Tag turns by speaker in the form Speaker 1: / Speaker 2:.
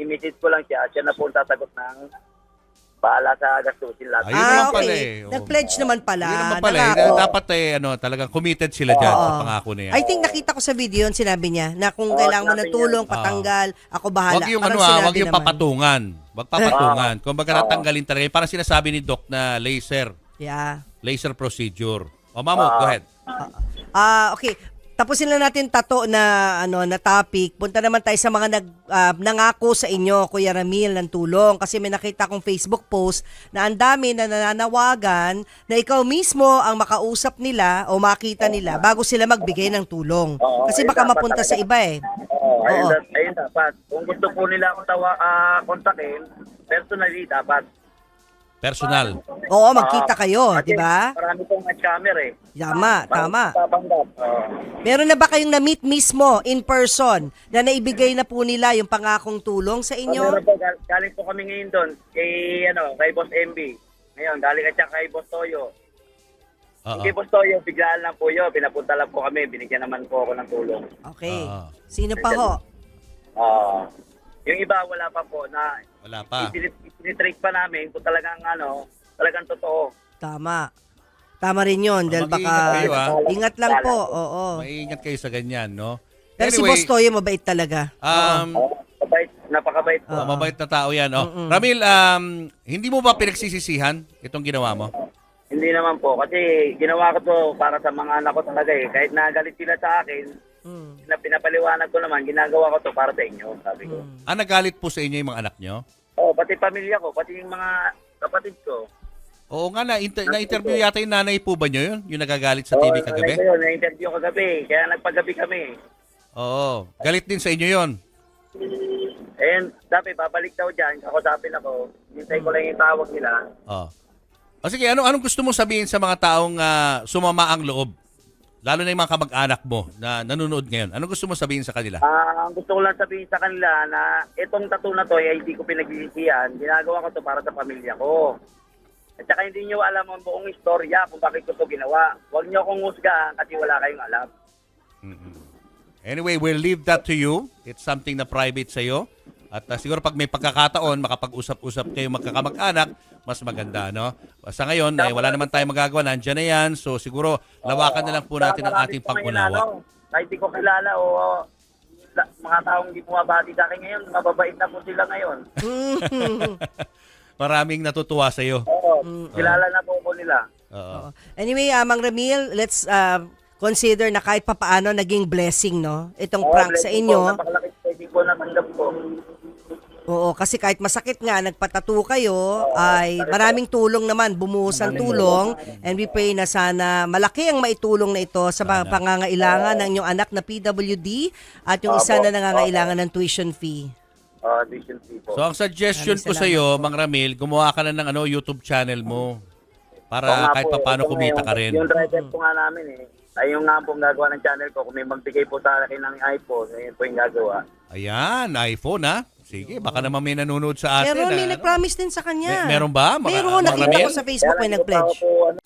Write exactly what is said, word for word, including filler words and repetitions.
Speaker 1: i-message ko lang siya. Siya na po ang sasagot ng bahala sa gastusin lahat.
Speaker 2: Ayun
Speaker 3: ah,
Speaker 2: naman
Speaker 3: okay.
Speaker 2: pala eh. Oo.
Speaker 3: Nag-pledge naman pala.
Speaker 2: Yun naman pala. eh.
Speaker 3: Nangako.
Speaker 2: Dapat eh, ano, talagang committed sila dyan
Speaker 3: Oo.
Speaker 2: sa pangako na yan.
Speaker 3: I think nakita ko sa video yun, sinabi niya, na kung
Speaker 1: Oo,
Speaker 3: kailangan mo
Speaker 1: sinabi
Speaker 3: ng tulong,
Speaker 2: niya.
Speaker 3: patanggal, ako bahala.
Speaker 2: Wag yung
Speaker 3: Parang
Speaker 2: ano ah,
Speaker 3: sinabi
Speaker 2: wag yung
Speaker 3: naman.
Speaker 2: papatungan. Wag papatungan.
Speaker 1: Oo.
Speaker 2: Kung baga natanggalin talaga. Yung parang sinasabi ni Doc na laser.
Speaker 3: Yeah.
Speaker 2: Laser procedure. O Mamo,
Speaker 1: Oo.
Speaker 2: go ahead.
Speaker 3: Ah, okay. Tapusin na natin tato na ano na topic. Punta naman tayo sa mga nag ah, nangako sa inyo, Kuya Ramil, ng tulong kasi may nakita kong Facebook post na ang dami na nananawagan na ikaw mismo ang makausap nila o makita nila bago sila magbigay ng tulong.
Speaker 1: Oo,
Speaker 3: Kasi
Speaker 1: ayun
Speaker 3: baka
Speaker 1: dapat
Speaker 3: mapunta sa
Speaker 1: talaga.
Speaker 3: iba eh.
Speaker 1: Oo, ayun,
Speaker 3: Oo.
Speaker 1: da- ayun dapat. Kung gusto po nila akong tawa, ah, kontakin, personally dapat.
Speaker 2: Personal.
Speaker 3: Oo, magkita
Speaker 1: Ah,
Speaker 3: kayo,
Speaker 1: kasi
Speaker 3: di ba?
Speaker 1: Marami pong camera eh.
Speaker 3: Tama, tama.
Speaker 1: Tabanggap. Oo.
Speaker 3: Meron na ba kayong na-meet mismo in person na naibigay na po nila yung pangakong tulong sa
Speaker 1: Ah,
Speaker 3: inyo?
Speaker 1: meron po, gal- galing po kami ngayon doon kay, ano, kay Boss M B. Ngayon, galing ka siya kay Boss Toyo.
Speaker 2: Oo.
Speaker 1: Kay Boss Toyo, biglaan lang po yun. Pinapunta lang po kami. Binigyan naman po ako ng tulong.
Speaker 3: Okay.
Speaker 2: Oo.
Speaker 3: Sino pa ho?
Speaker 1: Ah, yung iba, wala pa po na
Speaker 2: Wala pa.
Speaker 1: itinitrate pa namin kung talagang, ano, talagang totoo.
Speaker 3: Tama. Tama rin yun. Dahil
Speaker 2: Mag-iingat
Speaker 3: baka...
Speaker 2: kayo, ah.
Speaker 3: Ingat lang po. Oo.
Speaker 2: Maingat kayo sa ganyan, no?
Speaker 3: Pero si Boss Toyo, mabait talaga.
Speaker 2: um,
Speaker 1: Oh, mabait, napakabait po.
Speaker 2: oh, mabait na tao yan. Oh. Ramil, um, hindi mo ba pinagsisisihan itong ginawa mo?
Speaker 1: Hindi naman po. Kasi ginawa ko to para sa mga anak ko talaga eh. Kahit nagalit sila sa akin,
Speaker 3: Mm.
Speaker 1: na pinapaliwanag ko naman, ginagawa ko to para sa inyo, sabi ko.
Speaker 3: Mm.
Speaker 2: Ah, nagalit po sa inyo yung mga anak nyo?
Speaker 1: Oh, pati pamilya ko, pati yung mga kapatid ko.
Speaker 2: Oo nga, na, inter- na-interview yata yung nanay po ba nyo yun? Yung nagagalit sa
Speaker 1: Oh,
Speaker 2: T V kagabi?
Speaker 1: Yun, na-interview ko kagabi. Kaya nagpagabi kami.
Speaker 2: Oo. Galit din sa inyo yon.
Speaker 1: And sabi, babalik daw dyan. Kakusapin ako. Hintay ko lang yung tawag nila.
Speaker 2: Oh. O sige, ano, anong gusto mong sabihin sa mga taong ah, sumama ang loob? Lalo na yung mga kamag-anak mo na nanonood ngayon. Anong gusto mong sabihin sa kanila?
Speaker 1: Ah, ang gusto ko lang sabihin sa kanila na itong tattoo na to ay hindi ko pinagsisisihan. Ginagawa ko to para sa pamilya ko. At saka hindi nyo alam ang buong istorya kung bakit ko to ginawa. Huwag nyo akong husgahan kasi wala kayong alam.
Speaker 2: Anyway, we'll leave that to you. It's something na private sa'yo. At ah, siguro pag may pagkakataon, makapag-usap-usap kayo magkakamag-anak, mas maganda, no? Sa ngayon, eh, wala naman tayong magagawa. Nandiyan na yan. So siguro, lawakan na lang po natin ang ating
Speaker 1: Marami po ngayon,
Speaker 2: pag-unawa.
Speaker 1: ano, kahit di ko kilala o la- mga taong hindi bumabati sa akin ngayon, mababait na po sila ngayon.
Speaker 2: Maraming natutuwa sa'yo.
Speaker 1: Oo, kilala na po ko nila.
Speaker 2: Oo.
Speaker 3: Anyway, uh, Mang Ramil, let's uh, consider na kahit papaano naging blessing, no? Itong
Speaker 1: Oo,
Speaker 3: prank sa
Speaker 1: blessing
Speaker 3: inyo.
Speaker 1: Po, napakalaki blessing po natanggap ko.
Speaker 3: Oo, kasi kahit masakit nga, nagpatato kayo, ay maraming tulong naman, bumuhos ang tulong, and we pray na sana malaki ang maitulong na ito sa mga pangangailangan ng inyong anak na P W D at yung isa na nangangailangan ng tuition fee.
Speaker 1: Uh, vision fee po.
Speaker 2: So ang suggestion
Speaker 3: Maraming
Speaker 2: ko sa iyo, Mang Ramil, gumawa ka na ng ano YouTube channel mo
Speaker 1: Oo
Speaker 2: para
Speaker 1: nga
Speaker 2: kahit
Speaker 1: po,
Speaker 2: paano
Speaker 1: ito
Speaker 2: kumita
Speaker 1: nga,
Speaker 2: ka rin.
Speaker 1: Yung driver po nga namin eh. Ay yung nga po gagawa ng channel ko. Kung may magbigay po sa akin ng iPhone, ayun po yung gagawa.
Speaker 2: Ayan, iPhone ha. Sige, baka naman may nanonood sa atin.
Speaker 3: Pero may
Speaker 2: ah.
Speaker 3: nag-promise din sa kanya.
Speaker 2: May- meron ba? Mga-
Speaker 3: Meron,
Speaker 2: mga
Speaker 3: nakita
Speaker 2: Ramil?
Speaker 3: ko sa Facebook may
Speaker 1: Kaya lang, hindi pa
Speaker 3: nag-pledge.
Speaker 1: ako po, ano,